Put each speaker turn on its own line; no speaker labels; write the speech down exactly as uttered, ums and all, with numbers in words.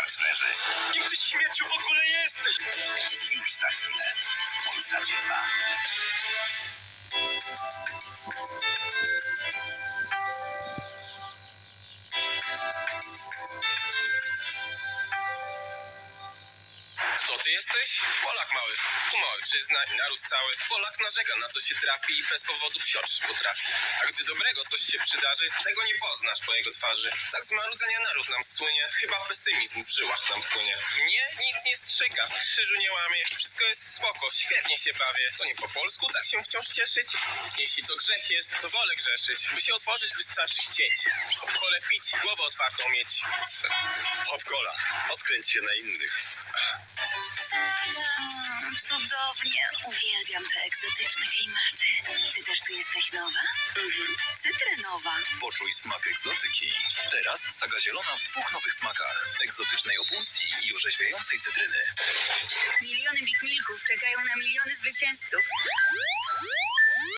partnerzy.
Kim ty śmierciu w ogóle jesteś?
Już za chwilę w Polsacie dwa.
Kto ty jesteś? Polak mały. Tu ma ojczyzna i naród cały. Polak narzeka na co się trafi i bez powodu psioczyć potrafi. A gdy dobrego coś się przydarzy, tego nie poznasz po jego twarzy. Tak z marudzenia naród nam słynie. Chyba pesymizm w żyłach nam płynie. Mnie nic nie strzyka, w krzyżu nie łamie. Wszystko jest spoko, świetnie się bawię. To nie po polsku tak się wciąż cieszyć? Jeśli to grzech jest, to wolę grzeszyć. By się otworzyć, wystarczy chcieć. Hop-kole pić, głowę otwartą mieć.
Hop-cola. Odkręć się na innych.
Mm, cudownie. Uwielbiam te egzotyczne klimaty. Ty też tu jesteś nowa? Mhm. Cytrynowa.
Poczuj smak egzotyki. Teraz saga zielona w dwóch nowych smakach. Egzotycznej opuncji i orzeźwiającej cytryny.
Miliony Big Milków czekają na miliony zwycięzców.